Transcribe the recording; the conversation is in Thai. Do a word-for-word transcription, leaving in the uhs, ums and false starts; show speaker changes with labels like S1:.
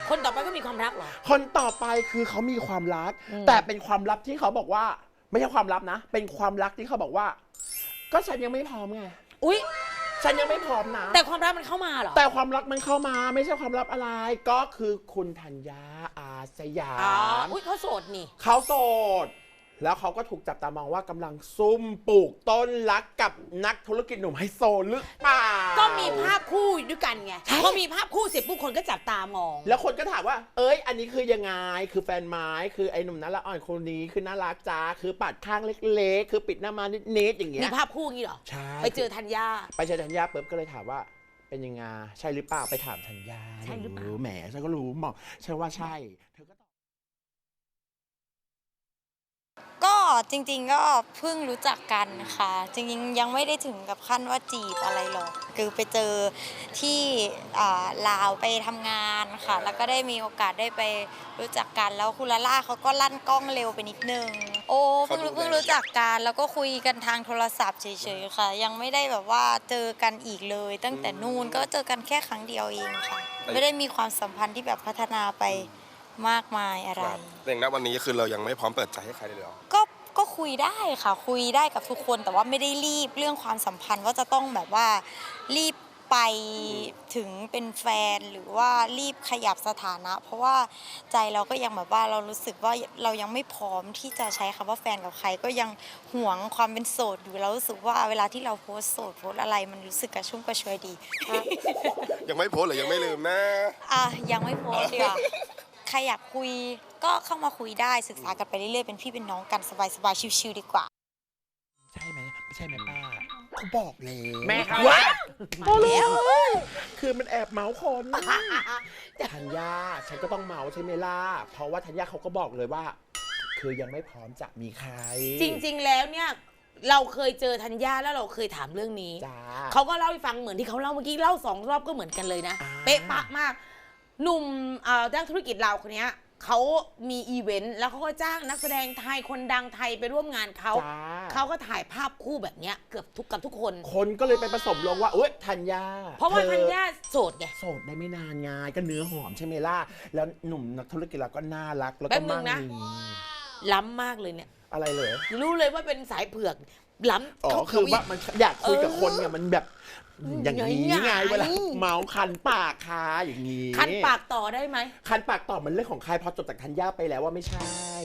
S1: คนต่อไปก็มีความรักเหรอ
S2: คนต่อไปคือเขามีความรักแต่เป็นความลับที่เขาบอกว่าไม่ใช่ความลับนะเป็นความรักที่เขาบอกว่าก็ฉันยังไม่พร้อมไง
S1: อุ๊ย
S2: ฉันยังไม่พร้อมนะ
S1: แต่ความรักมันเข้ามาเหรอ
S2: แต่ความรักมันเข้ามาไม่ใช่ความลับอะไรก็คือคุณธัญญาอาสยาม
S1: อ๋ออุ๊ยเขาโสดนี่
S2: เขาโสดแล้วเขาก็ถูกจับตามองว่ากำลังซุ่มปลูกต้นรักกับนักธุรกิจหนุ่มไฮโซหรือเปล่า
S1: ก็มีภาพคู่ด้วยกันไงพอมีภาพคู่เสร็จผู้คนก็จับตามอง
S2: แล้วคนก็ถามว่าเอ้ยอันนี้คือยังไงคือแฟนไม้คือไอ้หนุ่มน่ารักอ่อนคนนี้คือน่ารักจ้าคือปัดข้างเล็กๆคือปิดหน้ามานิดๆอย่างเงี้ย
S1: มีภาพคู่งี้เหรอ
S2: ใช่
S1: ไปเจอธัญญา
S2: ไปเจอธัญญาปุ๊บก็เลยถามว่าเป็นยังไงใช่หรือเปล่าไปถามธัญญา
S1: ใช่หรือเปล่า
S2: แหมฉันก็รู้บอกฉันว่าใช่เธอก็
S3: ก็จริงๆก็เพิ่งรู้จักกันค่ะจริงๆยังไม่ได้ถึงกับขั้นว่าจีบอะไรหรอกคือไปเจอที่ลาวไปทำงานค่ะแล้วก็ได้มีโอกาสได้ไปรู้จักกันแล้วคุณลาล่าเขาก็ลั่นกล้องเร็วไปนิดนึงโอ้เพิ่งเพิ่งรู้จักกันแล้วก็คุยกันทางโทรศัพท์เฉยๆค่ะยังไม่ได้แบบว่าเจอกันอีกเลยตั้งแต่นู่นก็เจอกันแค่ครั้งเดียวเองค่ะไม่ได้มีความสัมพันธ์ที่แบบพัฒนาไปมากมายอะไร
S4: แต่ณวันนี้คือเรายังไม่พร้อมเปิดใจให้ใครเลยหรอ
S3: ก็ก็คุยได้ค่ะคุยได้กับทุกคนแต่ว่าไม่ได้รีบเรื่องความสัมพันธ์ว่าจะต้องแบบว่ารีบไปถึงเป็นแฟนหรือว่ารีบขยับสถานะ เพราะว่าใจเราก็ยังแบบว่าเรารู้สึกว่าเรายังไม่พร้อมที่จะใช้คำว่าแฟนกับใครก็ยังหวงความเป็นโสดอยู่เรารู้สึกว่าเวลาที่เราโพสโสดโพสอะไรมันรู้สึกกระชุ่มกระชวยดี
S4: ยังไม่โพสหรือยังไม่ลืมนะ
S3: อ่ะยังไม่โพสดีกว่าใครอยากคุยก็เข้ามาคุยได้ศึกษากันไปเรื่อยๆเป็นพี่เป็นน้องกันสบายๆชิวๆดีกว่า
S2: ใช่ไหมไม่ใช่ไหมป้าเขาบอกเลย
S1: แม่เขา
S2: ว้าแล้วคือมันแอบเมาคนธัญญาฉันก็ต้องเมาใช่ไหมล่ะเพราะว่าธัญญาเขาก็บอกเลยว่าคือยังไม่พร้อมจะมีใคร
S1: จริงๆแล้วเนี่ยเราเคยเจอธัญญาแล้วเราเคยถามเรื่องนี้เขาก็เล่าให้ฟังเหมือนที่เขาเล่าเมื่อกี้เล่าสองรอบก็เหมือนกันเลยนะเป๊ะปะมากหนุ่มนักธุรกิจเราคนนี้เขามีอีเวนต์แล้วเขาก็จ้างนักแสดงไทยคนดังไทยไปร่วมงานเขาเขาก็ถ่ายภาพคู่แบบนี้เกือบทุกกับทุกคน
S2: คนก็เลยไปผสมลงว่าเอ้ยธัญญา
S1: เพราะว่าธัญญาโสดไง
S2: โสดได้ไม่นานไงก็เนื้อหอมใช่ไหมล่ะแล้วหนุ่มนักธุรกิจเราก็น่ารักแล้วก็มั่งมี
S1: ล้ำมากเลยเนี่ย
S2: อะไรเลย
S1: รู้เลยว่าเป็นสายเผือกล้ำ
S2: อ๋อคือว่ามันอยากคุยกับคนไงมันแบบอย่างนี้ไงเวลาเมาคันปากคาอย่างนี้
S1: คันปากต่อได้ไหม
S2: คันปากต่อมันเรื่องของใครพอจบจากธัญญาไปแล้วว่าไม่ใช่